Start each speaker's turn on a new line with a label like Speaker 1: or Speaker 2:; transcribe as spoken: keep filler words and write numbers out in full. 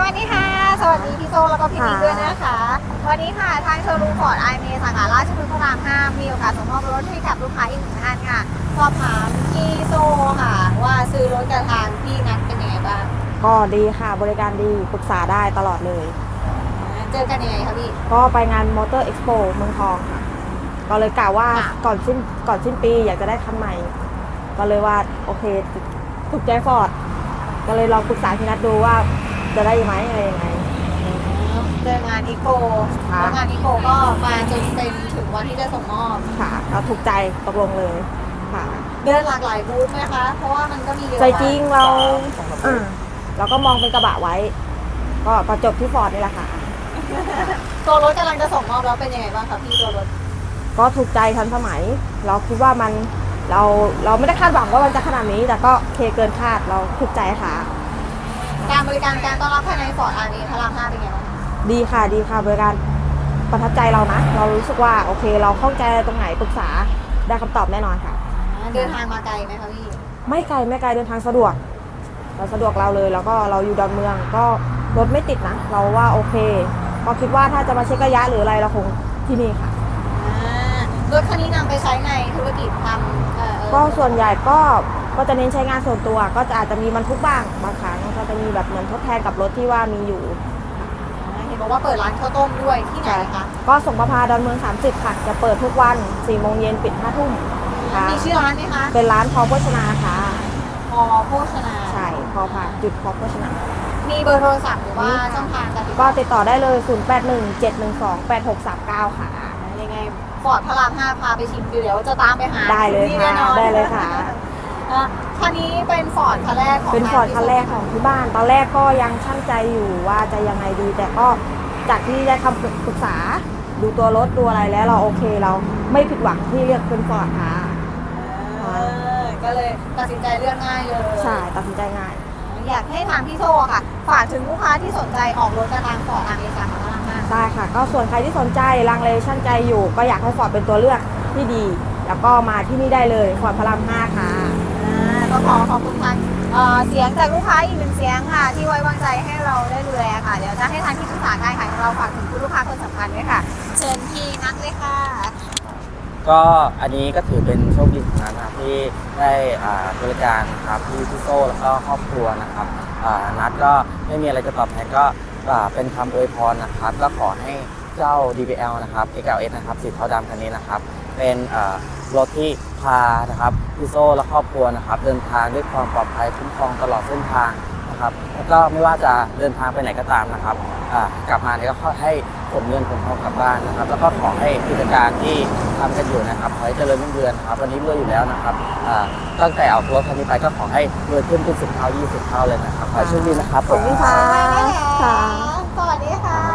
Speaker 1: วัสดีค่ะสวัสดีพี่โซแล้วก็พี่นิกด้วยนะคะวันนี้ค่ะทางโชว์รูมฟอร์ดไอเมสาขาราชพฤกษ์พระรามห้ามีโอกาสส่งมอบรถให้กับลูกค้าอีกหนึ่งท่านค่ะสอบถามพี่โซค่ะว่าซื้อรถกับทางพี่นัทเป็นยังไงบ้าง
Speaker 2: ก็ดีค่ะบริการดีปรึกษาได้ตลอดเลย
Speaker 1: เจอกันยังไงคะพี่
Speaker 2: ก็ไปงานมอเตอร์เอ็กซ์โปเมืองทองค่ะก็เลยกล่าวว่าก่อนสิ้นก่อนสิ้นปีอยากจะได้คันใหม่ก็เลยว่าโอเคถูกใจฟอร์ดก็เลยลองปรึกษาพี่นัทดูว่าจะได้ไหมอะไรยังไง
Speaker 1: เจองานอีโคแล้วงานอีโคก็มาจนเป็นถึงวันที่จะส่งมอบ
Speaker 2: ค่ะเราถูกใจตกลงเลยค่ะ
Speaker 1: เดินหลากหลายบูธไหมคะเพราะว่ามันก็มีเยอะ
Speaker 2: ใจจริงเราอ่าเราก็มองเป็นกระบะไว้ก็ประจบที่ฟอร์ดนี่แหละค่ะ
Speaker 1: ตัวรถกำลังจะส่งมอบแล้วเป็นยังไงบ้างคะพี่ตัวรถ
Speaker 2: ก็ถูกใจทันสมัยเราคิดว่ามันเราเราไม่ได้คาดหวังว่ามันจะขนาดนี้แต่ก็เคเกินคาดเราถูกใจค่ะ
Speaker 1: การบริการการต้อนรับภายในฟอร์ดอาร์เอพระรามห้าเป็นไงบ้าง
Speaker 2: ดีค่ะดีค่ะบริการประทับใจเรานะเรารู้สึกว่าโอเคเราเข้าใจตรงไหนปรึกษาได้คำตอบแน่นอนค่ะ
Speaker 1: เดินทางมาไกลไหมคะพี่
Speaker 2: ไม่ไกลไม่ไกลเดินทางสะดวกเราสะดวกเราเลยแล้วก็เราอยู่ดอนเมืองก็รถไม่ติดนะเราว่าโอเคก็คิดว่าถ้าจะมาเช็คระยะหรืออะไรเราคงที่นี่ค่ะ
Speaker 1: รถคันนี้นำไปใช้ในธุรกิจทำ
Speaker 2: ก็ส่วนใหญ่ก็ก็จะเน้นใช้งานส่วนตัวก็จะอาจจะมีบรรทุกบ้างบางครั้งก็จะมีแบบเหมือนทดแทนกับรถที่ว่ามีอยู่
Speaker 1: เห็นบอกว่าเปิดร้านข้าวต้มด้วยที่ไหนคะ
Speaker 2: ก็ส่งประพาดอนเมืองสามสิบค่ะจะเปิดทุกวันสี่โมงเย็นปิดห้าทุ่ม
Speaker 1: มีชื่อร้านไหมคะ
Speaker 2: เป็นร้านพอโภชนาค่ะ
Speaker 1: พอโภชนา
Speaker 2: ใช่พอพาจุดพอโภชนา
Speaker 1: มีเบอร์โทรศัพท์หรือว่าช่องทางการติดต่อ
Speaker 2: ก็ติดต่อได้เลยศูนย์ แปด หนึ่ง เจ็ด หนึ่ง สอง แปด หก สาม เก้าค่ะ
Speaker 1: ยังไงฟอร์ดพระรามห้าพาไปชิมเดี๋ยวจะตามไปหา
Speaker 2: ได้เลยค่ะได้เลยค่ะ
Speaker 1: คันนี้เป็นฟอร์ดคันแรกของ
Speaker 2: เป็นฟอร์ดคันแรกของที่บ้านตอนแรกก็ยังชั่งใจอยู่ว่าจะยังไงดีแต่ก็จากที่ได้คำปรึกษาดูตัวรถดูอะไรแล้วเราโอเคเราไม่ผิดหวังที่เลือกเป็นฟอร์ดค่ะ
Speaker 1: ก็เลยตัดสินใจเลือกง่ายเลย
Speaker 2: ใช่ตัดสินใจง่าย
Speaker 1: อยากให้ทางพี่โซ่ค่ะฝากถึงลูกค้าที่สนใจออกรถกระทางฟอร์ดอาร์เอสามพระรามห้า
Speaker 2: ได้ค่ะก็ส่วนใครที่สนใจลังเลชั่นใจอยู่ก็อยากให้ฟอร์ดเป็นตัวเลือกที่ดีแล้วก็มาที่นี่ได้เลยฟอร์ดพระรามห้าค่ะ
Speaker 1: ก็ขอขอบคุณทางเสียงจากลูกค้าอีกหนึ่งเสียงค่ะที่ไว้วางใจให้เราได้ดูแลค่ะเดี๋ยวจะให้ทางที่ปรึกษาการขายของเราฝากถึงผู้ลูกค้าคนสำคัญด้วยค่ะเชิญพี่นัทเลยค่ะ
Speaker 3: ก็อันนี้ก็ถือเป็นโชคดีของนัทนะครับที่ได้บริการครับพี่พี่โซ่แล้วก็ครอบครัวนะครับนัทก็ไม่มีอะไรจะตอบแทนก็เป็นคำอวยพรนะครับก็ขอให้เจ้า ดี บี แอล นะครับ เอ็กซ์ แอล เอส นะครับสีเทาดำคันนี้นะครับเป็นรถที่พานะครับพี่โซ่และครอบครัวนะครับเดินทางด้วยความปลอดภัยคุ้มครองตลอดเส้นทางนะครับแล้วก็ไม่ว่าจะเดินทางไปไหนก็ตามนะครับกลับมาเนี่ยก็ขอให้ขนเงินขนทองกลับบ้านนะครับแล้วก็ขอให้กิจการที่ทำกันอยู่นะครับขอให้เจริญรุ่งเรืองครับวันนี้รวยอยู่แล้วนะครับตั้งแต่เอารถคันนี้ไปก็ขอให้รวยขึ้นเป็นสิบเท่ายี่สิบเท่าเลยนะครับขอให้โชคดีนะครับ
Speaker 2: ขอบคุณค่ะ
Speaker 1: สวัสดีค่ะ